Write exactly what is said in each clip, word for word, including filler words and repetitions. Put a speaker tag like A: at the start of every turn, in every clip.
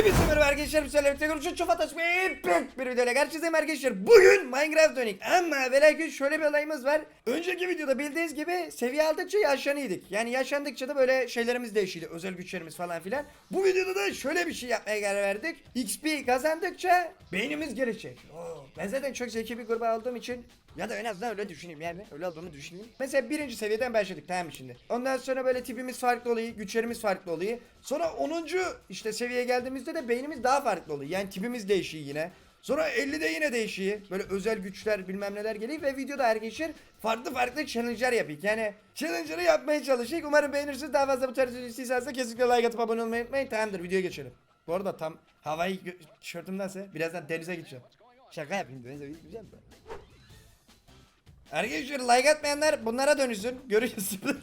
A: Hepinize merhaba arkadaşlar, müsaadenizle tekrar çok fantastik bir videoyla karşınızdayım arkadaşlar. Bugün Minecraft dönük ama ve lakin şöyle bir olayımız var. Önceki videoda bildiğiniz gibi seviye aldıkça yaşlanıyorduk. Yani yaşlandıkça da böyle şeylerimiz değişiyordu, özel güçlerimiz falan filan. Bu videoda da şöyle bir şey yapmaya karar verdik. X P kazandıkça beynimiz gelişecek. Oo, ben zaten çok zeki bir gruba olduğum için, ya da en azından öyle düşüneyim, yani öyle olduğumu düşüneyim. Mesela birinci seviyeden başladık, tamam mı şimdi? Ondan sonra böyle tipimiz farklı oluyor, güçlerimiz farklı oluyor. Sonra onuncu işte seviyeye geldiğimizde de beynimiz daha farklı oluyor. Yani tipimiz değişiyor yine. Sonra ellide yine değişiyor. Böyle özel güçler bilmem neler geliyor ve videoda arkadaşlar farklı farklı challenge'lar yapıyor. Yani challenge'ları yapmaya çalışıyor. Umarım beğenirsiniz. Daha fazla bu tarz video istiyorsanız da kesinlikle like atıp abone olmayı unutmayın. Tamamdır, videoya geçelim. Bu arada tam havayı tişörtümdense birazdan denize gideceğim. Şaka yapayım, denize gideceğim de. Arkadaşlar like atmayanlar bunlara dönüşsün. Görüyorsunuz.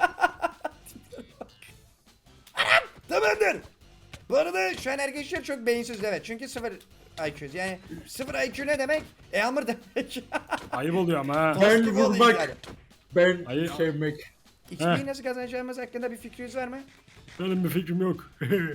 A: Tamamdır. Bu arada şu an arkadaşlar çok beyinsiz, evet. Çünkü sıfır I Q. Yani sıfır I Q ne demek? Eamur demek.
B: Ayıp oluyor ama ha.
A: Dostluk
C: Ben
A: oluyor
C: vurmak,
A: yani.
C: ben
B: Hayır.
C: sevmek.
A: X P'yi nasıl kazanacağımız hakkında bir fikriniz var mı?
B: Benim bir fikrim yok.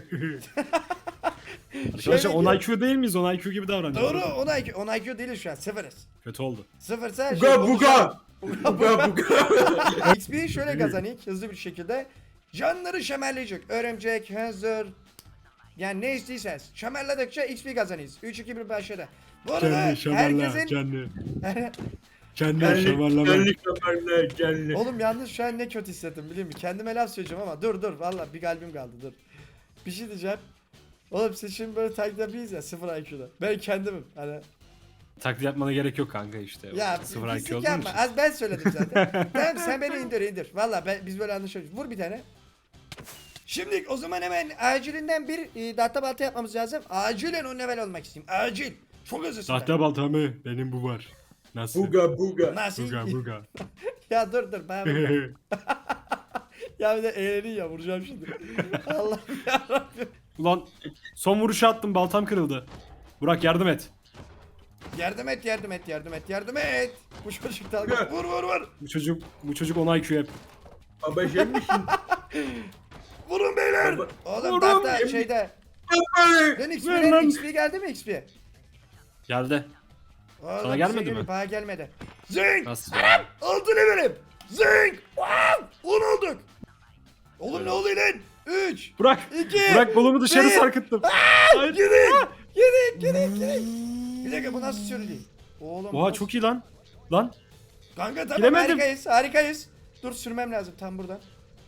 A: Şöyle
B: Arkadaşlar on
A: diyor.
B: I Q değil miyiz? on I Q gibi davranıyoruz.
A: Doğru, on I Q. on I Q değiliz şu an, sıfırız.
B: Kötü oldu.
A: Sıfırsa şey,
C: Buga buga. Buga buga.
A: X P'yi şöyle kazanayım hızlı bir şekilde. Canları şemerleyecek. Örümcek, hazır. Yani ne istiyseniz. Şemerledikçe X P kazanıyız. üç iki bir başladı. Bu arada
B: Canlı şamarla.
A: herkesin...
B: Canlı. Canlı
C: Gellik,
B: şamarlama.
C: gellik haberler, gellik.
A: Oğlum yalnız şu an ne kötü hissettim biliyor musun? Kendime laf söyleyeceğim ama dur dur valla bir kalbim kaldı, dur. Bir şey diyeceğim. Oğlum siz şimdi böyle taklit yapıyorsunuz ya sıfır I Q'da. Ben kendimim hani.
B: Taklit yapmana gerek yok kanka işte.
A: Ya
B: Sıfır I Q
A: pislik
B: olduğun
A: yapma.
B: için.
A: Az ben söyledim zaten. Tamam sen beni indir indir. Valla ben, biz böyle anlaşıyoruz. Vur bir tane. Şimdi o zaman hemen acilinden bir e, dahta balta yapmamız lazım. Acilen on level olmak istiyorum. Acil. Çok hızlısın.
B: Sahte balta mı? Benim bu var. Nasıl?
C: Buga buga.
A: Nasıl?
B: Buga buga.
A: Ya dur dur bana bak. Ya bir de eğlenin ya, vuracağım şimdi. Allah yarabbim.
B: Ulan son vuruşu attım, baltam kırıldı. Burak yardım et.
A: Yardım et yardım et yardım et yardım et. Bu çocuk dalga. Vur vur vur.
B: Bu çocuk bu çocuk on I Q hep.
C: Baba sevmişsin.
A: Vurun beyler.
C: Baba-
A: Oğlum
C: Vurun.
A: tahta şeyde.
C: Baba.
A: Lan X
B: Ver
A: P,
B: lan.
A: X P geldi mi X P?
B: Geldi.
A: Oğlum,
B: Sana gelmedi
A: bize
B: mi?
A: geliyor, Bana gelmedi. Zing.
B: Nasıl ya?
A: Altı levelim. Zing. on olduk. Oğlum ne oluyor lan? üç.
B: Burak.
A: İki,
B: Burak kolumu dışarı
A: bir.
B: sarkıttım. Hayır.
A: Gidin. Gidin gidin gidin. Bir dakika bu nasıl sürülüyor? Oğlum.
B: Oha
A: nasıl-
B: çok iyi lan. Lan.
A: Kanka tamam
B: Giremedim.
A: harikayız harikayız. Dur sürmem lazım tam buradan.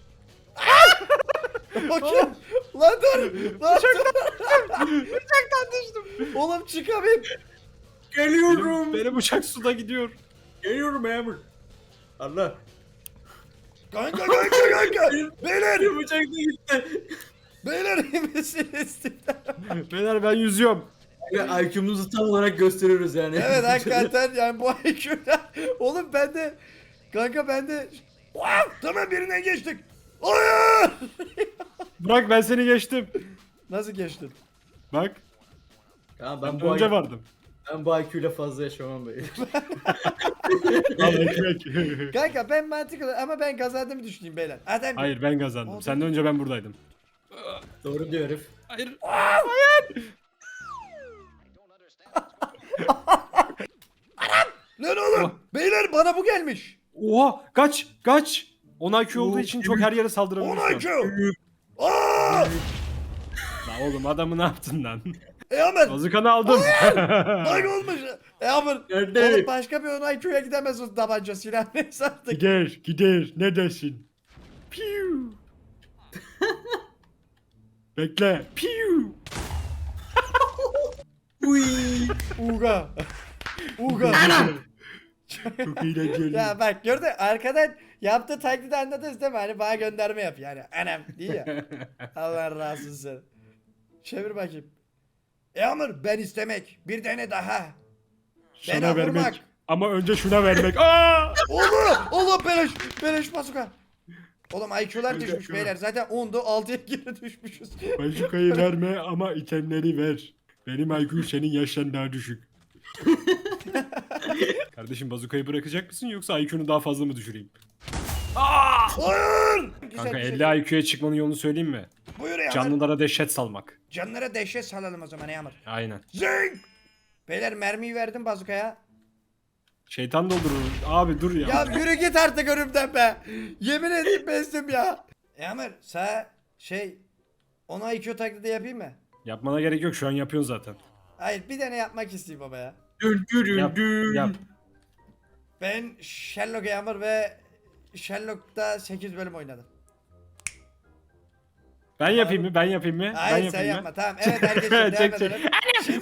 A: Bakayım. Lan dur. Lan dur. Uçaktan düştüm. Oğlum çıkamayayım.
C: Geliyorum.
B: Benim uçak suda gidiyor.
C: Geliyorum Emir. Allah.
A: Kanka kanka kanka. Beyler.
C: Bir bıçak da gitti.
A: Beyler iyi misiniz?
B: Beyler ben yüzüyorum.
C: Ya I Q'muzu tam olarak gösteriyoruz yani.
A: Evet hakikaten yani bu I Q'da. Oğlum ben de. Kanka ben de. Wow, tamam birinden geçtik. Hayır.
B: Burak ben seni geçtim.
A: Nasıl geçtin?
B: Bak.
C: Ya
B: Ben
C: ben bu
B: önce
C: I-
B: vardım.
C: ben bu I Q ile fazla yaşamam böyle.
B: Al ekmek.
A: Kanka ben mantıklı ama ben kazandığımı düşüneyim beyler. Adam
B: Hayır ben kazandım.
A: Oldu.
B: Senden önce ben buradaydım.
C: Doğru diyor herif.
B: Hayır.
A: Lan oğlum. Beyler bana bu gelmiş.
B: Oha kaç kaç. on I Q olduğu
C: Oo,
B: için çok her yere saldırabilir.
A: on I Q. Aaa.
B: Lan oğlum adamı ne yaptın lan?
A: E Amer.
B: Bazukanı aldım.
A: Bak olmuş. E Amer.
C: Nerede?
A: Oğlum başka bir on I Q'ya gidemez o tabanca silah neyse artık.
B: gider gider ne dersin? Piu. Bekle. Piu.
C: Uy.
A: Uga. Uga.
B: Çok eğlenceli.
A: Ya bak gördün arkadan yaptığı taklidi anladınız değil mi? Hani bana gönderme yap yani. Anam diye ya. Allah razı olsun. Çevir bakayım. E Amr ben istemek. Bir tane daha.
B: Sana
A: Bana
B: vermek.
A: vurmak.
B: Ama önce şuna vermek. Aa!
A: Oğlum. Oğlum beleş. Beleş bazuka. Oğlum I Q'lar
C: Bir
A: düşmüş
C: dakika.
A: beyler. Zaten ondu altıya geri düşmüşüz.
B: Bazukayı verme ama itemleri ver. Benim I Q senin yaştan daha düşük. Kardeşim bazukayı bırakacak mısın yoksa I Q'nu daha fazla mı düşüreyim? Aa!
A: Hayır. Güzel,
B: Kanka
A: güzel.
B: elli I Q'ya çıkmanın yolunu söyleyeyim mi?
A: Buyur Yağmur.
B: Canlılara dehşet salmak.
A: Canlara dehşet salalım o zaman Yağmur.
B: Aynen.
A: Zing. Beyler mermiyi verdim bazukaya.
B: Şeytan doldurur. Abi dur ya.
A: Ya yürü git artık önümden be. Yemin edeyim bezdim ya. Yağmur sağ şey ona I Q taklidi yapayım mı?
B: Yapmana gerek yok, şu an yapıyorsun zaten.
A: Hayır bir tane yapmak isteyeyim baba ya.
C: Dün dün
B: Yap,
C: dün.
B: yap.
A: Ben Sherlock Yağmur ve Sherlock'ta sekiz bölüm oynadım.
B: Ben yapayım mı? Ben yapayım mı? ben
A: Hayır
B: yapayım
A: sen
B: mı?
A: yapma tamam. Evet herkes devam
B: Çek, çek.
A: edelim. Şimdi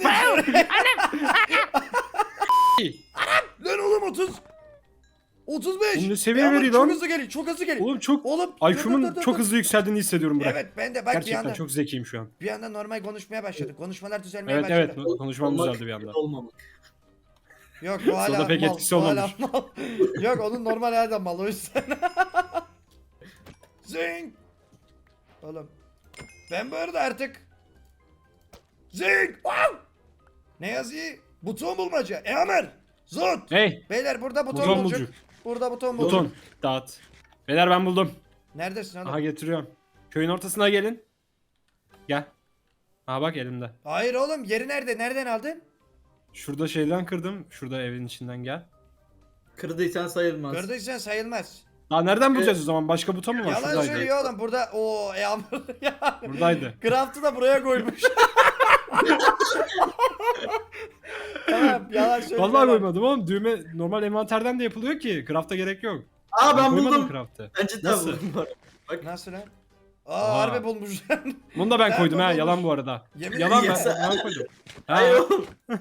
A: Lan oğlum otuz. otuz beş.
B: Oğlum ne seviye
A: Yağmur,
B: veriyor
A: çok
B: lan?
A: hızlı geliyor. Çok hızlı geliyor.
B: Oğlum çok
A: Oğlum dur, dur,
B: I Q'mun
A: dur,
B: çok
A: dur.
B: hızlı yükseldiğini hissediyorum Burak.
A: Evet ben de bak bir
B: Gerçekten
A: anda
B: çok zekiyim şu an.
A: bir anda normal konuşmaya başladık. Konuşmalar düzelmeye
B: Evet
A: başladı.
B: evet konuşmam
C: Olmak,
B: düzeldi bir anda.
C: Olmamak.
A: Yok o hala
B: Soda pek
A: mal.
B: etkisi
A: o hala
B: olmamış.
A: mal. Yok onun normal halde mal o yüzden. Zing. Oğlum. Ben bu arada artık. Zing. Wow. Ne yazıyor? Buton bulmaca. Eamer. Zot.
B: Hey
A: Beyler burada buton,
B: Buton
A: bulacak.
B: bulcuk.
A: Burada buton bulacak.
B: buton dağıt. Beyler ben buldum.
A: Neredesin oğlum?
B: Aha getiriyorum. Köyün ortasına gelin. Gel. Aha bak elimde.
A: Hayır oğlum yeri nerede? Nereden aldın?
B: Şurada şeyden kırdım. Şurada evin içinden gel.
C: Kırdıysan sayılmaz.
A: Kırdıysan sayılmaz.
B: Aa nereden bulacağız o zaman? Başka buton mu var?
A: Yalan
B: Şuradaydı.
A: söylüyor oğlum burada. Oo Eamer ya.
B: Buradaydı.
A: Craft'ı da buraya koymuş. Tamam yalan söylüyor.
B: Vallahi
A: adam.
B: koymadım oğlum. Düğme normal envanterden de yapılıyor ki. Craft'a gerek yok.
C: Aa ben
B: koymadım
C: buldum.
B: Craft'ı.
C: Ben cidden
B: Nasıl?
C: buldum. bu arada. Bak.
A: Nasıl lan? Aa
B: Aha.
A: harbi bulmuş lan.
B: Bunu da ben
A: Ben
B: koydum ha.
A: bulmuş.
B: Yalan bu arada.
A: Yemin
B: Yalan ben,
C: ederim.
B: ben koydum. Ha.
C: Hayır oğlum.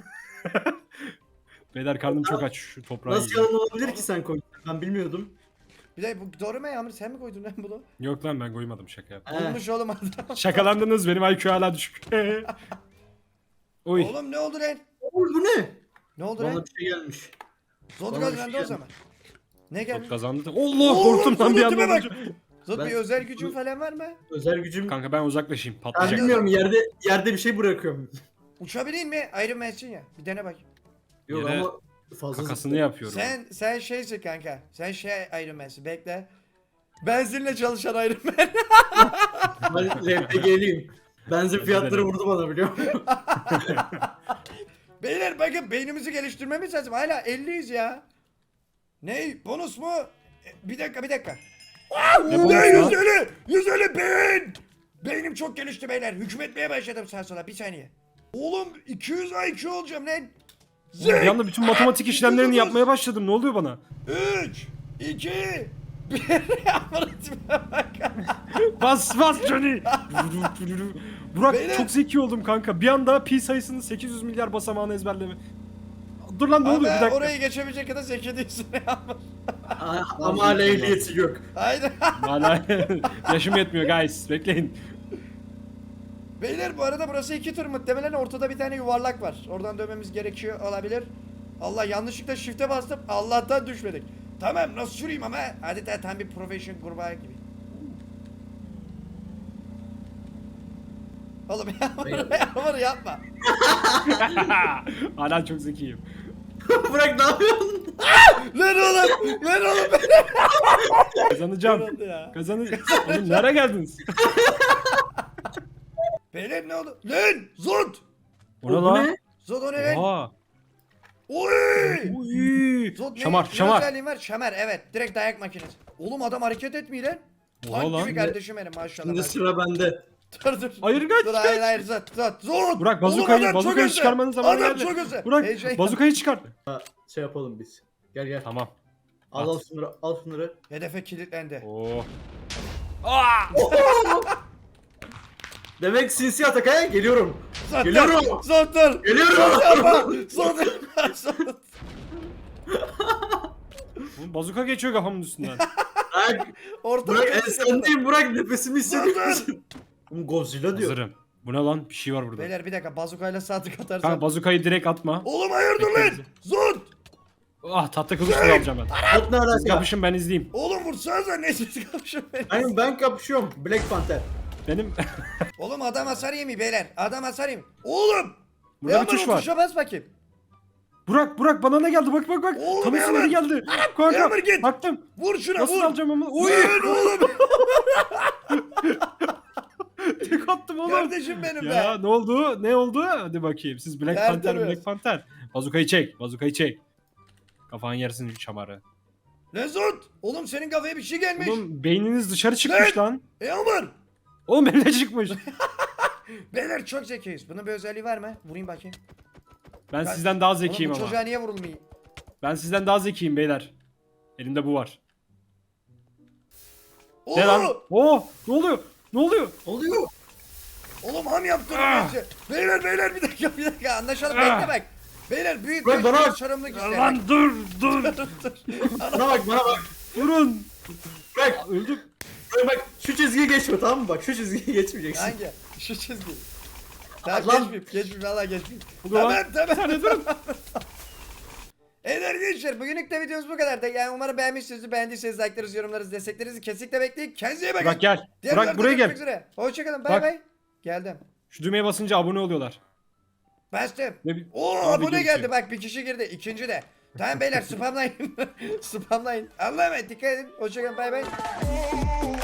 B: Beyler karnım çok aç, şu toprağı
C: Nasıl
B: yiyeceğim.
C: yalan olabilir ki sen koydun? Ben bilmiyordum.
A: Bir de bu doğru mu Yağmur sen mi koydun lan bunu?
B: Yok lan ben koymadım, şaka yaptım.
C: He.
A: Bulmuş oğlum adam.
B: Şakalandınız, benim I Q hala düşük. Oy.
A: Oğlum ne oldu lan?
C: Oğlum bu ne?
A: Ne oldu
C: Bana
A: lan?
C: bir şey gelmiş.
A: Zod
C: bana bir
A: kazandı
C: şey
A: o zaman. Ne geldi?
B: Çok kazandı. da- Allah
A: Oğlum,
B: korktum lan bir
A: Zod'a
B: anda.
A: tipe bak.
B: olunca.
A: Zod
C: Ben-
A: bir özel gücün falan var mı?
C: Özel gücüm.
B: Kanka ben uzaklaşayım,
C: Ben
B: patlayacak.
C: bilmiyorum yerde yerde bir şey bırakıyorum.
A: Uçabileyim mi? Iron Man'sin ya. Bir dene bak.
C: Yok
B: Yere
C: ama fazla
B: Kakasını yapıyorum.
A: Sen sen şeysin kanka. Sen şey Iron Man'sin. Bekle. Benzinle çalışan Iron Man.
C: Ben R P G'liyim. Benzin fiyatları vurdu bana biliyor musun?
A: Beyler bakın beynimizi geliştirmemiz lazım. Hala elliyiz ya. Ne? Bonus mu? E, Bir dakika bir dakika.
B: Ne
A: Ne
B: bonus
A: yüz
B: lan?
A: elli? yüz elli beyin. Beynim çok gelişti beyler. Hükmetmeye başladım sağa sola. Bir saniye. Oğlum iki yüz I Q olacağım lan.
B: Bir anda bütün matematik işlemlerini yapmaya başladım. Ne oluyor bana?
A: üç, iki, bir. Bak.
B: Bas bas Johnny. Burak
A: Beyler.
B: çok zeki oldum kanka. Bir anda pi sayısının sekiz yüz milyar basamağını ezberleme. Dur lan ne oluyor bir
A: Ama
B: dakika.
A: orayı geçebilecek kadar zeki değilsin ya.
C: Ama hala ehliyeti yok.
A: Haydi.
B: Hala yaşım yetmiyor guys. Bekleyin.
A: Beyler bu arada burası iki tur muhtemelen ortada bir tane yuvarlak var. Oradan dönmemiz gerekiyor olabilir. Allah yanlışlıkla shift'e bastım. Allah'tan düşmedik. Tamam nasıl süreyim ama adeta tam bir profession kurbağa gibi. Oğlum yağmur, yağmur yapma.
B: Hala çok zekiyim.
C: Bırak ne yapıyorsun?
A: Lan oğlum, lan oğlum ben
B: Kazanacağım.
A: oldu ya.
B: Kazanacağım. Oğlum nereye geldiniz?
A: Beyler ne oldu? Lan Zod!
B: O ne
C: Bu
B: lan?
C: ne?
A: Zod o ne lan?
B: Oha.
A: Oy!
B: Uy.
A: Zod ne?
B: Şamar
A: Ne
B: şamar.
A: özelliğin var? Şamar evet. Direkt dayak makinesi. Oğlum adam hareket etmiyor lan.
B: Oha
A: Tank
B: lan.
A: gibi kardeşim benim maşallah.
C: Şimdi
A: maşallah.
C: sıra bende.
A: Dur dur.
B: Hayır kaç
A: Dur
B: kaç.
A: hayır hayır Zod Zod Zod.
B: Burak
A: Oğlum,
B: bazukayı,
A: adam çok
B: bazukayı
A: hızlı.
B: çıkarmanın zamanı
A: Adam
B: geldi.
A: çok hızlı.
B: Burak
A: Heyecan-
B: bazukayı çıkar.
C: Ha, şey yapalım biz. Gel gel.
B: Tamam.
C: Al al
B: At.
C: şunları al şunları.
A: Hedefe kilitlendi.
B: Oo.
C: Demek sinsi atak ha? Geliyorum.
A: Zod
C: Geliyorum.
A: dur. Zod dur.
C: Geliyorum.
A: Zod yapma. Zod yapma. Zod.
B: Oğlum bazuka geçiyor kafamın üstünden.
C: Burak,
A: Ortada
C: Burak en
A: kaçıyor.
C: sendeyim Burak nefesimi hissediyor
A: Dur,
C: musun? Oğlum Godzilla diyor.
B: Hazırım. Bu ne lan? Bir şey var burada.
A: Beyler bir dakika bazukayla saatlik
B: Kanka
A: atarsan.
B: bazukayı direkt atma.
A: Oğlum hayırdır lan?
B: Bekle
A: Zod.
B: Ah tahta kılıçla alacağım ben.
C: Bot ne
B: Siz
C: alaka?
B: kapışın ben izleyeyim.
A: Oğlum vursanıza ne siz kapışın beni.
C: Aynen ben kapışıyorum. Black Panther.
B: Benim
A: Oğlum adam hasar yemiyor beyler. Adam hasar yemiyor. Oğlum.
B: burada bir
A: Yağmur,
B: tuş
A: o
B: var.
A: Tuşa bas bakayım.
B: Burak Burak bana ne geldi? Bak bak bak.
A: Oğlum,
B: Tam
A: Yağmur.
B: üstüne geldi. Kanka
A: Yağmur git.
B: baktım.
A: Vur şuna
B: Nasıl
A: vur.
B: alacağım ama? Uy.
A: Vur oğlum.
B: Tek attım oğlum.
A: Kardeşim benim
B: Ya
A: be.
B: ne oldu? Ne oldu? Hadi bakayım. Siz Black
A: Ver
B: Panther,
A: tabii.
B: Black Panther. Bazukayı çek. Bazukayı çek. Kafan yersin şu şamarı.
A: Mesut. Oğlum senin kafaya bir şey gelmiş.
B: Oğlum beyniniz dışarı çıkmış lan.
A: Yağmur.
B: Oğlum benim de çıkmış.
A: Beyler çok zekiyiz. Bunun bir özelliği var mı? Vurayım bakayım.
B: Ben
A: Ya-
B: sizden daha
A: Oğlum
B: zekiyim
A: bu
B: ama.
A: çocuğa niye vurulmuyor?
B: Ben sizden daha zekiyim beyler. Elimde bu var.
A: Oo!
B: Ne lan? Oo, ne oluyor? Ne oluyor?
C: Oluyor.
A: Oğlum ham yaptın
B: Ah!
A: bence. Beyler beyler bir dakika bir dakika anlaşalım
B: Ah!
A: bekle bak. Beyler büyük
C: Bırak
A: bir
C: bana
A: büyük
C: bak.
A: sorumluluk ister.
B: Lan dur dur.
C: Bana bak bana bak.
B: Durun.
C: Bak,
B: Öldüm.
C: bak bak şu çizgiyi geçme tamam mı? Bak şu çizgiyi geçmeyeceksin.
A: Hangi? Şu çizgi. Tamam
C: Lan.
A: geçmeyeyim geçmeyeyim valla geçmeyeyim.
B: Ulan,
A: Tamam tamam.
B: bir saniye durun.
A: Evet arkadaşlar bugünlük de videomuz bu kadar da yani umarım beğenmişsinizdir. Beğendiyseniz like'larınızı, yorumlarınızı, desteklerinizi kesinlikle bekleyin. Kendinize iyi bakın.
B: Burak gel.
A: Diğer
B: Burak
A: videoda
B: buraya
A: görüşmek
B: gel.
A: üzere. Hoşçakalın bay
B: Bak.
A: bay. Geldim.
B: Şu düğmeye basınca abone oluyorlar.
A: Bastım.
B: Ne bi-
A: Oo
B: ne
A: abone
B: videosu?
A: geldi bak bir kişi girdi. İkinci de. Tamam beyler spamlayın. Spamlayın. Allah'a emanet dikkat edin. Hoşçakalın bay bay.